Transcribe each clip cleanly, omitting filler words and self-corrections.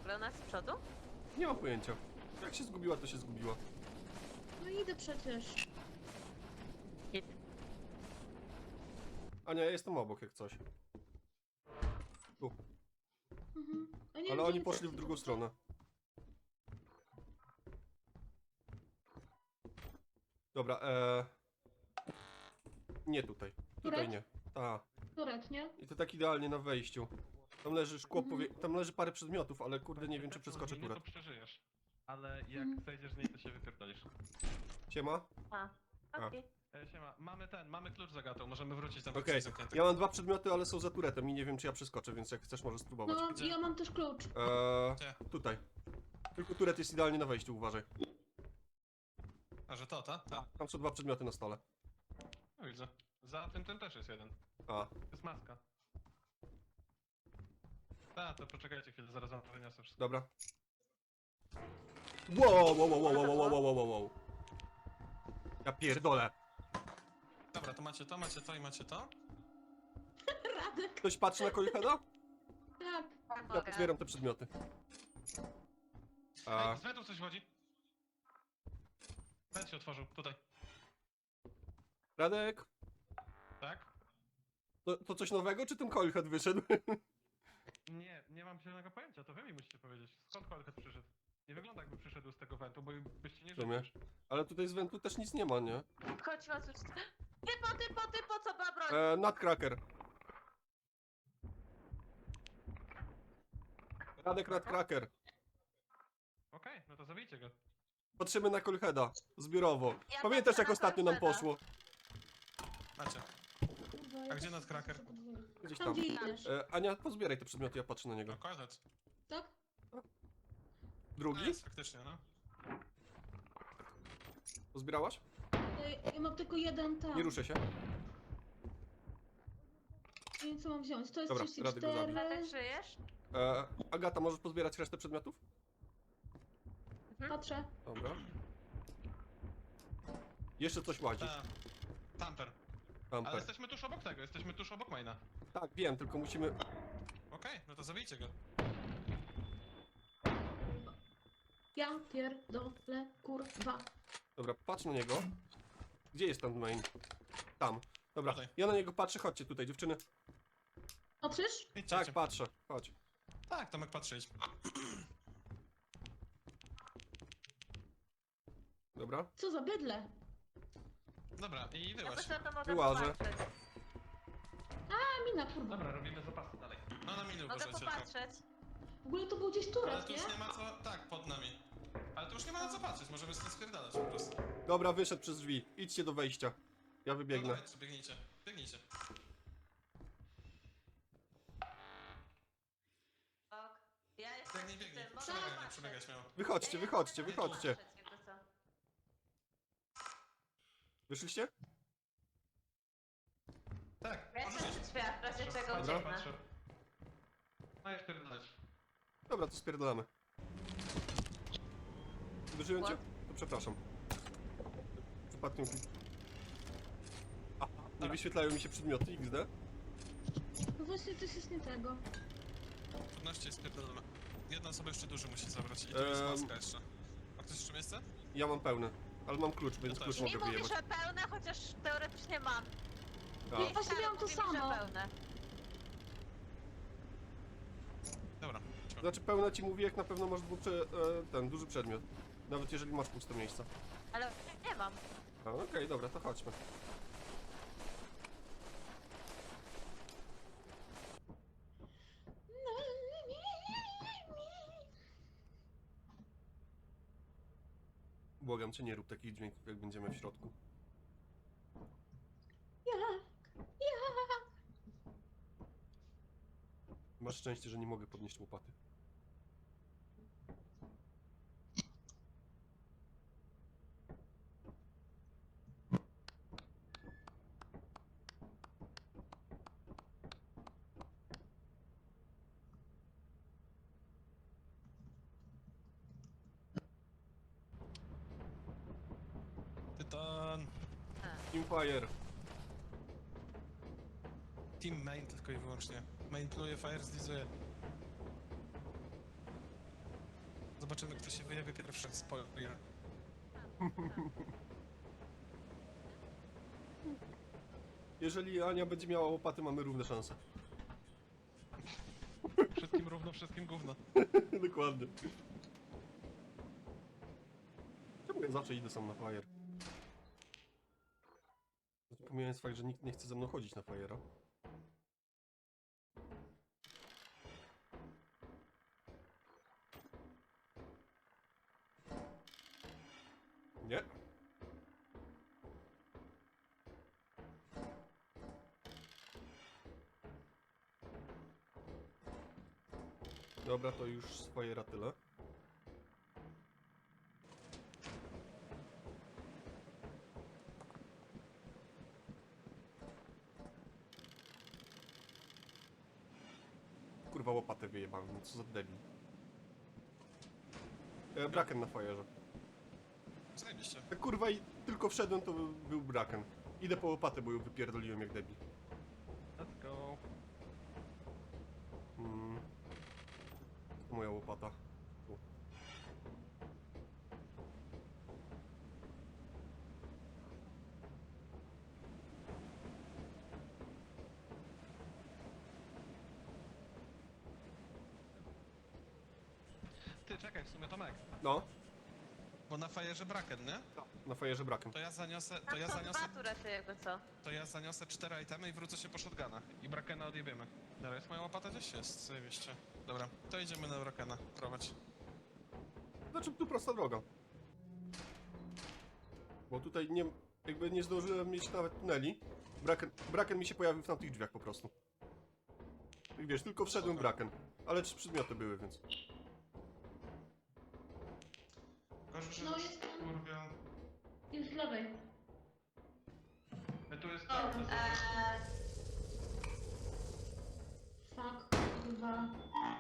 Granat z przodu? Nie mam pojęcia. Jak się zgubiła, to się zgubiła. No idę przecież. Hit. Ania, ja jestem obok jak coś. Tu. A nie Ale wiem, oni gdzie poszli w wy drugą stronę. Dobra, nie tutaj. Tutaj Turet? nie. Ta. Turet, nie? I to tak idealnie na wejściu. Tam leży szkło, tam leży parę przedmiotów, ale kurde nie wiem czy przeskoczę Nie, to turet. przeżyjesz. Ale jak zejdziesz z niej, to się wypierdolisz. Siema? A, okej. Siema, mamy klucz za gatą, możemy wrócić tam Okej, ja mam 2 przedmioty, ale są za turetem i nie wiem czy ja przeskoczę, więc jak chcesz możesz spróbować. No, ja mam też klucz. Gdzie? Tutaj. Tylko turet jest idealnie na wejściu, uważaj. A że to, ta? Tak. Tam są 2 przedmioty na stole. No widzę. Za tym też jest jeden. A, To jest maska. To poczekajcie chwilę, zaraz wam wyniosę wszystko. dobra. Wow. Ja pierdolę. Dobra, to macie to i macie to. Radek, Ktoś patrzy na Kojheada? tak. Ja pozbieram te przedmioty. A, Ej, z wentu coś chodzi. Went się otworzył, tutaj. Radek? Tak? To coś nowego, czy ten Kojhead wyszedł? Nie mam zielonego pojęcia, to wy mi musicie powiedzieć. Skąd Kolchet przyszedł? Nie wygląda jakby przyszedł z tego wentu, bo byście nie W sumie. żyli. Ale tutaj z wentu też nic nie ma, nie? Chodź, Masuś. Typo, co ma broń? Nutcracker. Radek Nutcracker. Okej, no to zabijcie go. Patrzymy na Kojheada. Zbiorowo. Ja Pamiętasz patrzę jak na ostatnio nam Kojheada. poszło? Macie. Kurwa, A ja gdzie też Nutcracker? chcę podwójnie. Gdzieś Tam tam. gdzie idziesz. Ania, pozbieraj te przedmioty, ja patrzę na niego. No Kolchet. Tak? No Drugi? jest faktycznie, no. Pozbierałaś? Ja mam tylko jeden tam. Nie ruszę się. Nie wiem co mam wziąć. To jest Dobra, Radek go 34. Radek, żyjesz? Agata, możesz pozbierać resztę przedmiotów? Patrzę. Dobra. Jeszcze coś łazi. Tamper. Ale Tamper. jesteśmy tuż obok tego, jesteśmy tuż obok maina. Tak, wiem, tylko musimy... Okej, no to zabijcie go. Ja pierdolę, kurwa. Dobra, patrz na niego. Gdzie jest ten main? Tam. Dobra, Tutaj. ja na niego patrzę, chodźcie tutaj, dziewczyny. Patrzysz? Idźcie, Tak, idźcie. patrzę, chodź. Tak, Tomek patrzeć. Dobra. Co za bydle? Dobra, i Ja wyłaź. myślę, to mogę Wyłażę. popatrzeć. A, mina, kurwa. Dobra, robimy zapasy dalej. No na minę Mogę uważajcie. popatrzeć. W ogóle to był gdzieś Ale turet, tu nie? już nie ma co... Tak, pod nami. Ale tu już nie ma na co patrzeć, możemy stąd spierdalać po prostu. Dobra, wyszedł przez drzwi. Idźcie do wejścia. Ja No wybiegnę. dawajcie, biegnijcie. Biegnijcie. Ok. Ja jestem Biegnij, przy biegnij. tym, mogę Przebiegaj, popatrzeć. przebiegaj śmiało. Wychodźcie, wychodźcie, Mogę wychodźcie. popatrzeć, jakby co. Wyszliście? Tak, Ja jestem przy drzwiach, w razie czego Patrzę, ucieknę. patrzę. No i spierdalać. Dobra, to spierdolamy. Uderzyłem cię? To przepraszam. Przypadkiem... Aha, nie wyświetlają mi się przedmioty XD. No właśnie, coś jest nie tego. Trudności spierdolamy. Jedna osoba jeszcze duży musi zabrać i tu jest maska jeszcze. A ktoś jeszcze miejsce? Ja mam pełny, ale mam klucz, więc Ja klucz też. Mi mogę mówi, wyjebać. że pełne, chociaż teoretycznie mam. A, Ja właśnie miałam to Mówi mi, że samo. pełne. Dobra. znaczy pełne ci mówi, jak na pewno masz ten duży przedmiot. Nawet jeżeli masz puste miejsca. Ale nie mam. A, okej, dobra, to chodźmy. Błagam cię, nie rób takich dźwięków, jak będziemy w środku. Masz szczęście, że nie mogę podnieść łopaty. Tytan. Teamfire. Team main tylko i wyłącznie. Main pluje, fire zlizuje. Zobaczymy, kto się wyjawi pierwszy. Spoiler. Jeżeli Ania będzie miała łopaty, mamy równe szanse. Wszystkim równo, wszystkim gówno. Dokładnie. Czemu ja zawsze idę sam na fire? Pomijając fakt, że nikt nie chce ze mną chodzić na fire'a. Nie. Dobra, to już z fire'a tyle. Kurwa, łopatę wyjebałem, no co za debil. Braken na fire'ze. Zajebiście. Jak kurwa i tylko wszedłem, to był braken. Idę po łopatę, bo ją wypierdoliłem jak debil. Let's go. Moja łopata. Tu. Ty, czekaj, w sumie Tomek. No, Bo na fajerze braken, nie? na fire'ze braken. To ja zaniosę, Tam są dwa turety jakby co. to ja zaniosę 4 itemy i wrócę się po shotgunach. I Brakena odjebiemy. Dobra, jest moja łopata gdzieś? Jest, zajebiście. Dobra, to idziemy na Brakena, prowadź. Znaczy, tu prosta droga. Bo tutaj nie, jakby nie zdążyłem mieć nawet tuneli. Braken mi się pojawił w tamtych drzwiach po prostu. I wiesz, tylko wszedłem Spoko. braken. Ale 3 przedmioty były, więc... Gorzej, że No jest tam. kurwa. Jest z lewej. Tu jest O, to. Fuck, kurwa.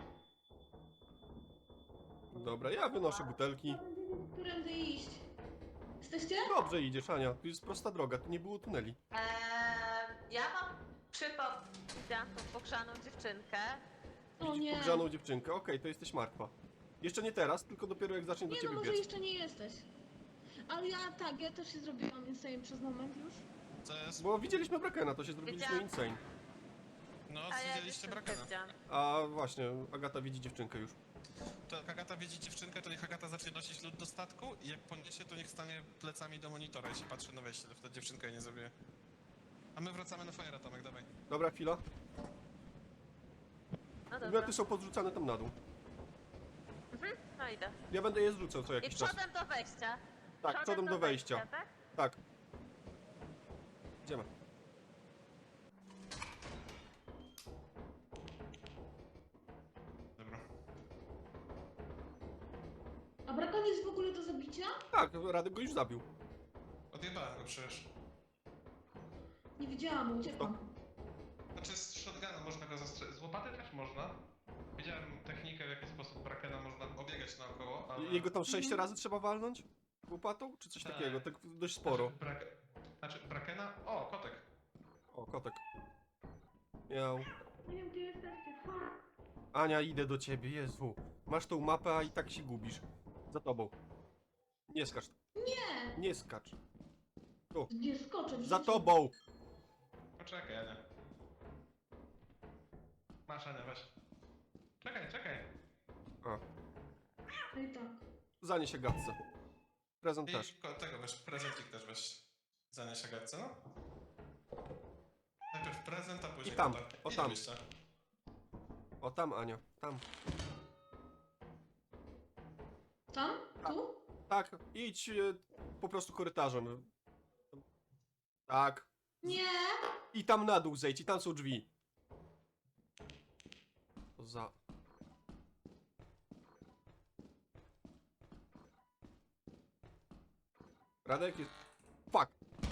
Dobra, ja wynoszę butelki. Którędy iść? Jesteście? Dobrze idziesz, Ania. Tu jest prosta droga, tu nie było tuneli. Ja mam widziałam tą pogrzaną dziewczynkę. O nie. Pogrzaną dziewczynkę. Okej, to jesteś martwa. Jeszcze nie teraz, tylko dopiero jak zacznie do Nie no, ciebie może biec. jeszcze nie jesteś. Ale ja tak, ja też się zrobiłam insane przez moment już. To jest... Bo widzieliśmy Brakena, to się zrobiliśmy Wiedziałam. insane. No, A ja widzieliście dziewczynkę Brakena. widziałam. A właśnie, Agata widzi dziewczynkę już. To jak Agata widzi dziewczynkę, to niech Agata zacznie nosić lód do statku i jak poniesie, to niech stanie plecami do monitora i się patrzy na wejście, to wtedy dziewczynka jej nie zabije. A my wracamy na Fire'a, Tomek, dawaj. Dobra, chwila. No dobra. Przedmioty są podrzucane tam na dół. No idę. Ja będę je zrzucał co I jakiś czas. przodem do wejścia. Tak, przodem do wejścia. tak? Tak. Idziemy. Dobra. A brakon jest w ogóle do zabicia? Tak, Radek go już zabił. Odjebałem go przecież. Nie widziałam, uciekłam. Znaczy z shotguna Można go zastrzelić. Z łopaty też można. Widziałem technikę, w jaki sposób Brakena można obiegać naokoło, ale... Jego tam 6 razy trzeba walnąć? Łopatą? Czy coś Tak. takiego? Tak dość sporo. Znaczy Brakena... O, kotek. O, kotek. Miał. Nie wiem, gdzie jesteście. Fuck. Ania, idę do ciebie, Jezu. Masz tą mapę, a i tak się gubisz. Za tobą. Nie skacz. Nie! Nie skacz. Nie skoczę. w Za życiu. tobą! Poczekaj, Ania. Masz, Ania, weź. Czekaj. A, No i tak. zanieś się gadce. Prezent I też. tego weź, prezentik też weź. Zanieś Agatce, no. Najpierw prezent, a później I tam, kotek. o I tam. wyjścia. O, tam, Ania. Tam. Tam? Tu? Tak, idź po prostu korytarzem. Tak. Nie! I tam na dół zejdź, i tam są drzwi. To za... Radek jest... Fuck!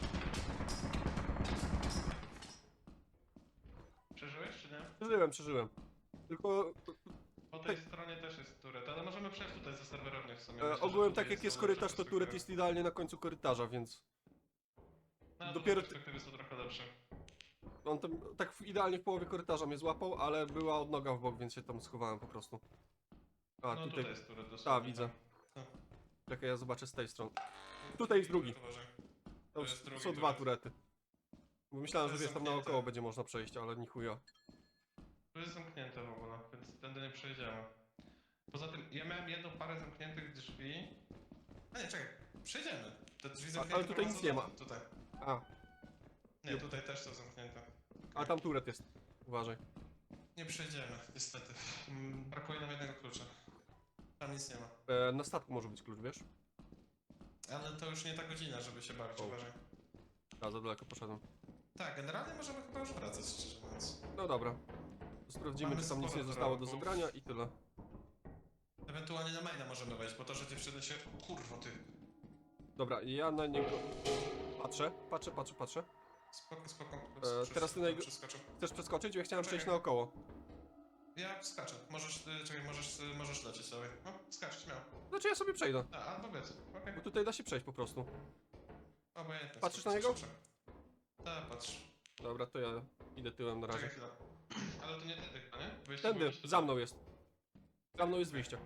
Przeżyłeś, czy nie? Przeżyłem. Tylko Po tej stronie też jest turet, ale możemy przejść tutaj ze serwerowni w sumie. Myślę, że ogółem tutaj tak jak jest lepsza korytarz, to perspektywa. turet jest idealnie na końcu korytarza, więc... No, dopiero- perspektywy są trochę lepsze. On tam tak idealnie w połowie korytarza mnie złapał, ale była odnoga w bok, więc się tam schowałem po prostu. A, No tutaj... tutaj jest turret dosłownie. A, widzę. Tak. Czekaj, ja zobaczę z tej strony. Tutaj jest drugi. Uważaj. Tam To jest drugi są dwa turet. turety. Bo myślałem, To że jest wiesz, tam zamknięte. naokoło będzie można przejść, ale ni chuja. Tu jest zamknięte w ogóle, więc tędy nie przejdziemy. Poza tym, ja miałem jedną parę zamkniętych drzwi. A nie, czekaj. Przejdziemy. Te drzwi ale zamknięte tutaj nic prowadzą nie ma. Tutaj. A, Nie, tutaj też są zamknięte. a tam turet jest. Uważaj. Nie przejdziemy, niestety. Brakuje nam jednego klucza. Tam nic nie ma. Na statku może być klucz, wiesz? Ale to już nie ta godzina, żeby się bawić, O. uważaj. A, za daleko poszedłem. Tak, generalnie możemy chyba już wracać, szczerze mówiąc. No dobra. Sprawdzimy, Mamy czy tam nic sporo nie zostało do turretów. zebrania i tyle. Ewentualnie na maina możemy wejść, bo to, że dziewczyny się... Kurwa ty. Dobra, ja na niego patrzę. Spoko, spoko. teraz ty na jego- Przeskoczył. Chcesz przeskoczyć? Ja chciałem przejść Poczekaj. naokoło. Ja skaczę. Możesz, czekaj, możesz lecieć sobie. No, skacz, śmiało. Znaczy ja sobie przejdę. A, albo wiec. Okej. Bo tutaj da się przejść po prostu. Obojętnie. Patrzysz spoko, na niego? skacz. Tak, patrz. Dobra, to ja idę tyłem na razie. Czekaj chwilę. Ale to nie tędy chyba, nie? Wyjście było Tędy, gdzieś tutaj. za mną jest. Za mną jest wyjście.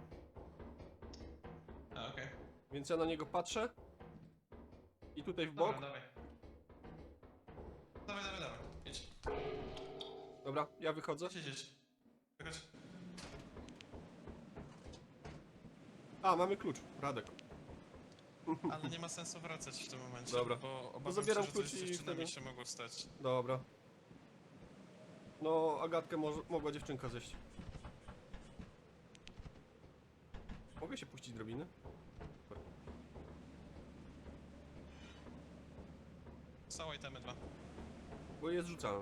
A, okej. Więc ja na niego patrzę. I tutaj w Dobra, bok. dawaj. Dawaj. Idź. Dobra, ja wychodzę. Idź. Wychodź. A, mamy klucz. Radek. Ale nie ma sensu wracać w tym momencie. Dobra. Bo obawiam zabieram się, że coś klucz z i dziewczynami wtedy- się mogło stać. Dobra. No, Agatkę mogła dziewczynka zjeść. Mogę się puścić drabiny? Są itemy 2. Bo je zrzucałem.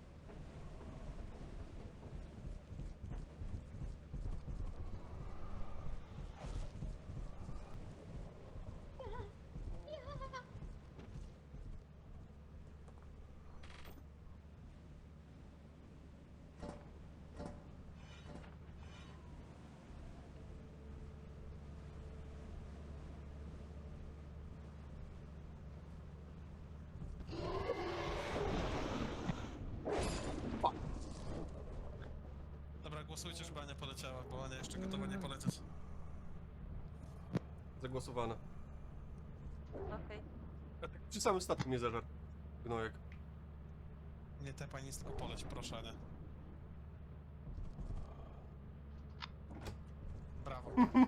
Dobra, głosujcie, żeby Ania poleciała, bo Ania jeszcze gotowa nie polecieć. Zagłosowane. Okej. Przy samym statku mnie zażar. Gnojek. Nie tepaj nic, tylko poleć, proszę Ania. Brawo.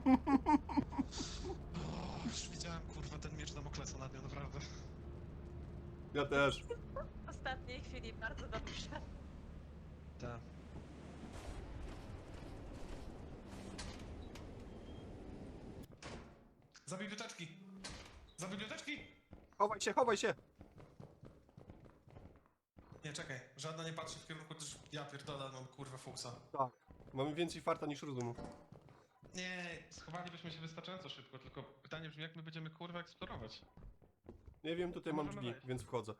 Już widziałem, kurwa, ten miecz Damoklesa nad nią, naprawdę. Ja też. W ostatniej chwili bardzo dobrze. Tak. Za biblioteczki! Za biblioteczki! Chowaj się, chowaj się! Nie, czekaj, żadna nie patrzy w kierunku, też ja pierdolę, mam kurwa fuksa. Tak. Mamy więcej farta niż rozumu. Nie, Schowalibyśmy się wystarczająco szybko, tylko pytanie brzmi, jak my będziemy kurwa eksplorować. Nie wiem, tutaj mam Możemy drzwi, wejść. więc wchodzę.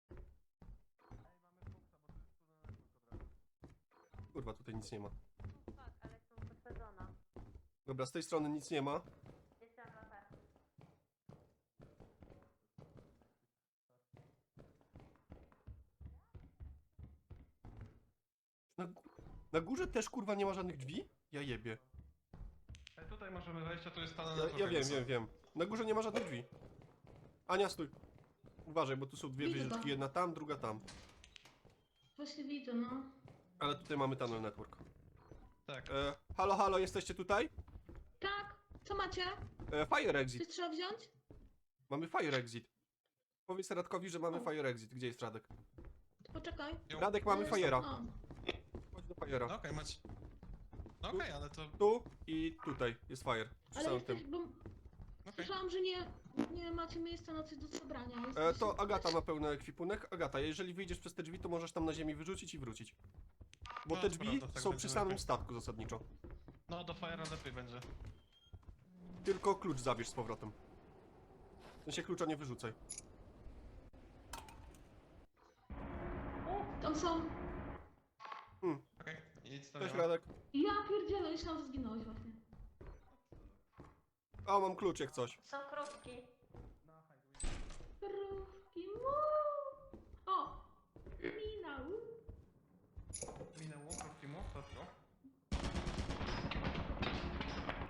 Kurwa, tutaj nic nie ma. Tak, ale są posadzona. Dobra, z tej strony nic nie ma. Jestem latarki. Na górze też kurwa nie ma żadnych drzwi? Ja jebie. Tutaj możemy wejść, a tu jest panel Ja wiem. Na górze nie ma żadnych drzwi. Ania, stój. Uważaj, bo tu są dwie Widzę wieżyczki. to. Jedna tam, druga tam. Właśnie widzę, no. Ale tutaj mamy tunnel network. tak. Halo, jesteście tutaj? Tak, co macie? Fire exit. Coś trzeba wziąć? Mamy fire exit. Powiedz Radkowi, że mamy O. fire exit. Gdzie jest Radek? Poczekaj. Radek, mamy fire'a. O, Chodź do fire'a. No okej, macie. No okej, ale to... Tu i tutaj jest fire. Przy ale samym jesteś, tym. bo Okej. słyszałam, że nie macie miejsca na coś do zebrania. To Agata ma pełny ekwipunek. Agata, jeżeli wyjdziesz przez te drzwi, to możesz tam na ziemi wyrzucić i wrócić. Bo No, te to drzwi prawda, tak są będzie przy samym lepiej. statku zasadniczo. No, do Fire'a lepiej będzie. Tylko klucz zabierz z powrotem. W sensie klucza nie wyrzucaj. Tam są... Okej. Idź Cześć stawiam. Radek. Ja pierdzielę, myślałam, że zginąłeś właśnie. O, mam klucz jak coś. Są krówki. Krówki, mu. O! Mina, Minęło, krótki mów, to.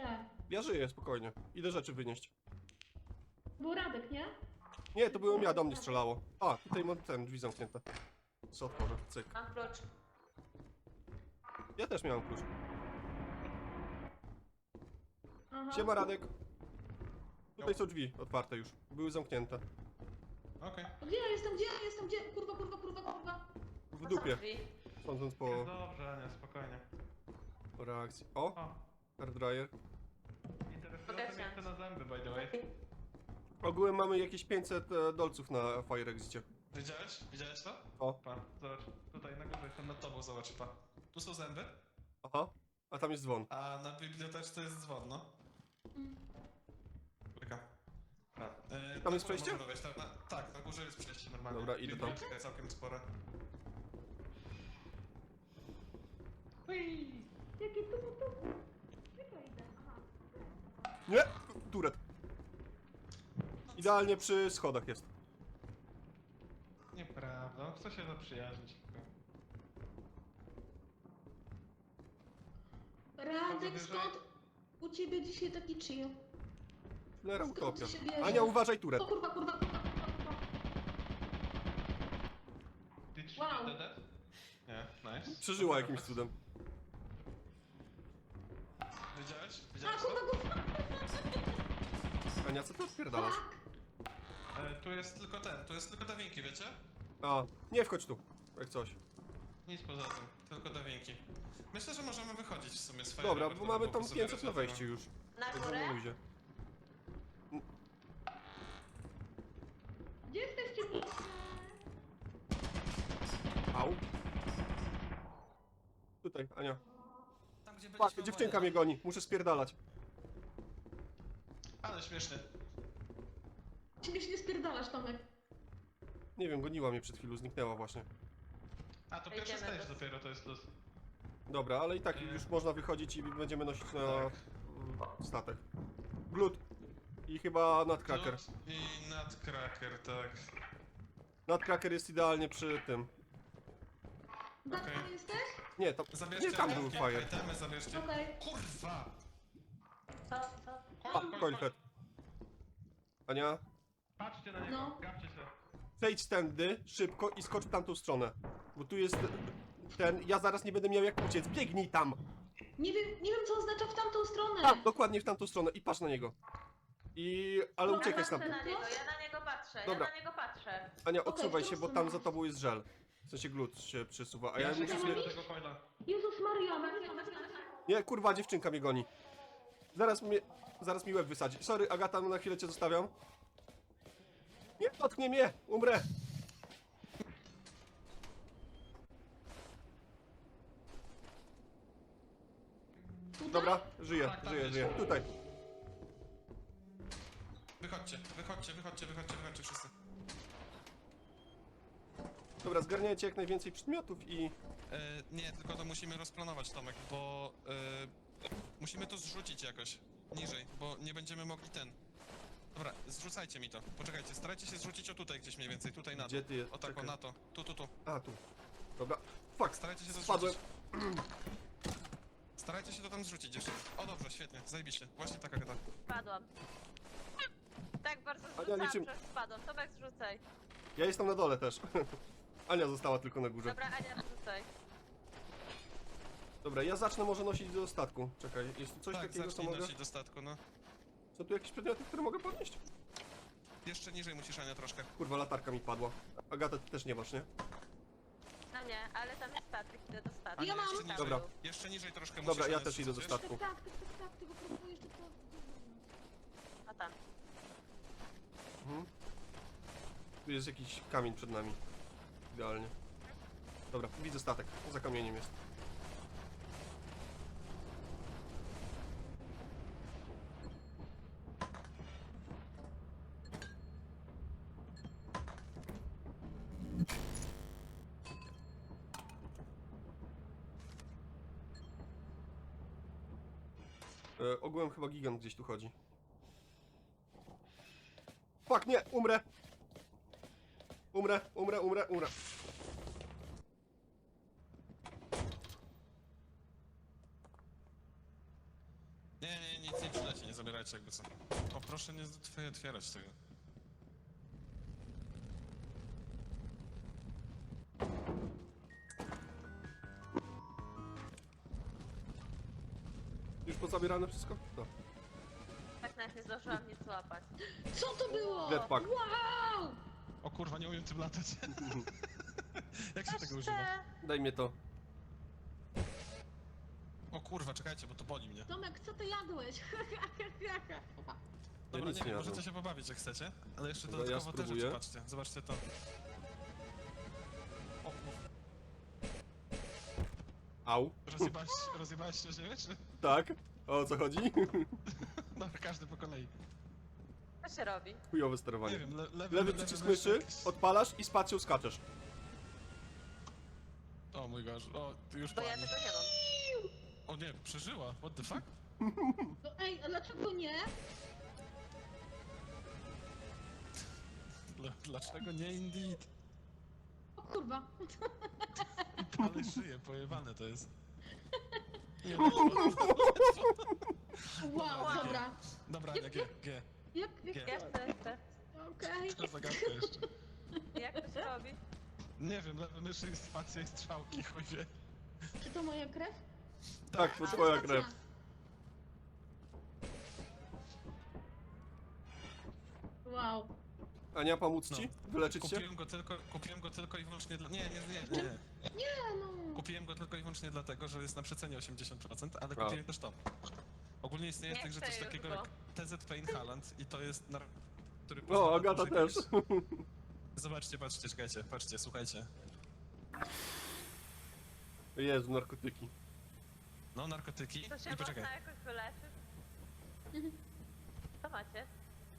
Tak. Ja żyję, spokojnie. Idę rzeczy wynieść. Był Radek, nie? Nie, to byłem ja, do mnie strzelało. A, tutaj mam ten, drzwi zamknięte. Co otworzę, cyk. Mam klucz. Ja też miałem klucz. Aha. Siema, Radek. Tutaj są drzwi otwarte już. Były zamknięte. Okej. Gdzie ja jestem, gdzie ja jestem, gdzie? Kurwa, kurwa, kurwa, kurwa. W To są dupie. drzwi. Sądząc Jest po dobrze, Ania, spokojnie. reakcji. O, O, hairdryer. interesujące miejsce na zęby, by the way. Ogółem mamy jakieś 500 dolców na Fire Exicie. Widziałeś? Widziałeś to? O, Pa, zobacz, tutaj na górze jestem Nad tobą, zobacz, pa. Tu są zęby, aha. A tam jest dzwon. a na biblioteczce jest dzwon, no. Mm. Czeka. Tam jest przejście? Tak, na górze jest przejście normalnie. Dobra, idę tam. Biblioteka całkiem spora. Jakie tu? Gdzie to idę? Aha. Nie! Turet. Idealnie przy schodach jest. Nieprawda, on chce się zaprzyjaźnić. Radek, wyżej. skąd u ciebie dzisiaj taki chill? Lera Skąd utopia. to się bierze? Ania, uważaj, turet. O kurwa, kurwa, kurwa, kurwa, kurwa. Did she Wow. get that? Nie, nice. Przeżyła jakimś cudem. Widziałeś? A Widziałeś kurwa, to? kurwa. Ania, co ty odpierdalasz? Tu jest tylko ten, tu jest tylko dawinki, wiecie? A, nie wchodź tu. Jak coś. Nic poza tym, tylko dawinki. Myślę, że możemy wychodzić w sumie z Dobra, Fireworks, bo mamy po tam prostu 500 na wyrzucamy. wejście już. Na Także górę? na luzie. Gdzie jesteście? Au. Tutaj, Ania. Tam, gdzie Fuck, byliśmy dziewczynka oboje, mnie goni. Muszę spierdalać. no. Ale śmieszny. Ciebie się nie spierdalasz, Tomek. Nie wiem, goniła mnie przed chwilą, zniknęła właśnie. A, to pierwszy Idziemy stage do- dopiero. Dopiero to jest luz. Dobra, ale i tak już można wychodzić i będziemy nosić na Tak. statek. Glut. I chyba Nutcracker. Glut i Nutcracker, tak. Nutcracker jest idealnie przy tym. Datka Okej. jesteś? Nie, tam, Zabierzcie nie, tam był wszystkie fire. itemy, zabierzcie. Okej. Kurwa! Co? A, coilhead. Ania, Patrzcie na niego, No. gapcie się. przejdź tędy szybko i skocz w tamtą stronę. Bo tu jest ten, ja zaraz nie będę miał jak uciec. Biegnij tam! Nie wiem co oznacza w tamtą stronę. Tak, dokładnie w tamtą stronę i patrz na niego. Ale Dobra, uciekaj patrzę stamtąd. na niego, ja na niego patrzę, Dobra. ja na niego patrzę. Ania, Okej, odsuwaj w się, którą bo tam stronę? za tobą jest żel. W sensie glut się przesuwa, a ja Ja się muszę czekam sobie... do tego coila. Jezus Maria. Nie, kurwa, dziewczynka mnie goni. Zaraz mi łeb wysadzi. Sorry, Agata, na chwilę cię zostawiam. Nie dotknie mnie, umrę. Tutaj? Dobra, żyję, Tak, tak, żyję, jest. żyję. Tutaj. Wychodźcie wszyscy. Dobra, zgarniajcie jak najwięcej przedmiotów i... Nie, tylko to musimy rozplanować, Tomek, bo musimy to zrzucić jakoś niżej, bo nie będziemy mogli ten. Dobra, zrzucajcie mi to. Poczekajcie, starajcie się zrzucić o tutaj gdzieś mniej więcej, tutaj na to. Gdzie ty jest? O tak, o Czekaj. na to. Tu. A, tu. Dobra. Fuck, Starajcie się to spadłem. zrzucić. Starajcie się to tam zrzucić jeszcze. O dobrze, świetnie, zajebiście. Właśnie taka gada. Spadłam. Tak bardzo Ania, zrzucałam, liczymy. że spadłam. Tomek zrzucaj. Ja jestem na dole też. Ania została tylko na górze. Dobra, Ania, zrzucaj. Dobra, ja zacznę może nosić do statku. Czekaj, jest tu coś Tak, takiego, co zacznij mogę... nosić do statku, no. Są tu jakieś przedmioty, które mogę podnieść? Jeszcze niżej musisz, Ania, troszkę. Kurwa, latarka mi padła. Agata, ty też nie masz, nie? No nie, ale tam jest statek, idę do statku. Ja mam. Jeszcze niżej, Dobra. jeszcze niżej troszkę musisz, Dobra, ja Ania, też idę do zrzucić, statku. Tak, tylko próbuję jeszcze to... A tam. Mhm. Tu jest jakiś kamień przed nami. Idealnie. Dobra, widzę statek. Za kamieniem jest. Ogółem chyba gigant gdzieś tu chodzi. Fuck, nie! Umrę! Umrę. Nie, nic nie przyleci, nie zabierajcie jakby co. O, proszę nie otwierać tego. Już pozabierane wszystko? No. Tak nawet nie zdążyłam nic złapać. Co to było? Jetpack. Wow! O kurwa, nie umiem tym latać. Jak się tego Jeszcze... używa? Daj mnie to. O kurwa, czekajcie, bo to boli mnie. Tomek, co ty jadłeś? Dobra, nic nie nie wiem, jadłem. możecie się pobawić jak chcecie, ale jeszcze Dobra, ja dodatkowo te spróbuję. rzeczy, patrzcie, zobaczcie to. O kurwa, Au. rozjebałeś się o ziemię, czy? Tak? O co chodzi? Dobra, każdy po kolei. Co się robi? Chujowe Nie sterowanie. wiem, Lewy przycisk myszy, odpalasz i spacją skaczesz. O mój gosh, o, ty już Bo ja pani. tego nie mam. O nie, przeżyła, what the fuck? No ej, a dlaczego nie? Dlaczego nie indeed? O kurwa. Ale żyje, pojebane to jest. Nie, Wow, dobra. dobra, nie, G. Jak, Jeszcze. okej. Co zagadka jeszcze? Jak to się robi? Nie wiem, lewy myszy, spacja i strzałki, chuj wie. Czy to moja krew? Tak, to twoja krew. Wow. Ania, pomóc ci? No. Wyleczyć się? Kupiłem go tylko i wyłącznie dla... Nie. Nie no. Kupiłem go tylko i wyłącznie dlatego, że jest na przecenie 80%, ale A. kupiłem też to. Ogólnie istnieje Nie w tej grze chcę coś już takiego go. jak TZP Inhalant i to jest który O, pozwala Agata dłużej też. niż- Zobaczcie, patrzcie, czekajcie, patrzcie, słuchajcie. Jezu, narkotyki. No, narkotyki To się i poczekaj. można jakoś wyleczyć? Co macie?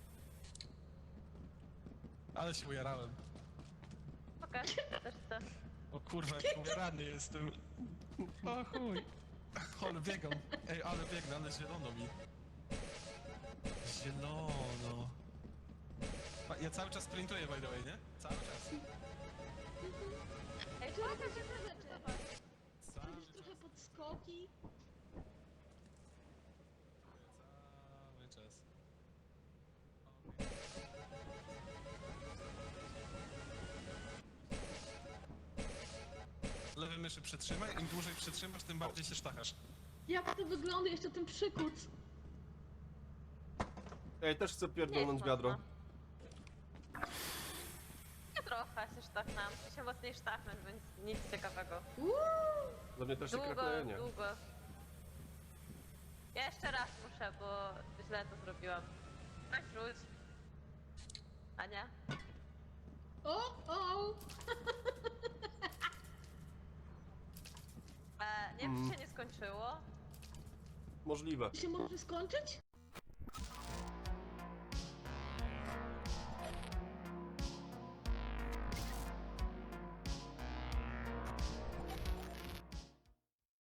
Ale się ujarałem. Pokaż. Też chcę. O kurwa, jak ujarany jestem. O chuj. Ale biegam. Ej, ale biegnę, ale zielono mi. Zielono. Ja cały czas sprintuję, by the way, nie? Cały czas. Ej, Tu czekaj, jakieś inne rzeczy. Cały Jakieś trochę podskoki. czas. Lewy myszy przytrzymaj, im dłużej przytrzymasz, tym bardziej się sztachasz. Jak to wygląda jeszcze ten przykuc? Ej, też chcę Nie pierdolnąć jest wiadro. mocno. Ja trochę się sztachnęłam. Się mocniej sztachnąć, więc nic ciekawego. Dla mnie też się Długo, krapleje, nie. długo. Ja jeszcze raz muszę, bo źle to zrobiłam. Tak rzuć. Ania? O! Nie wiem, czy się nie skończyło. Możliwe. Się może skończyć?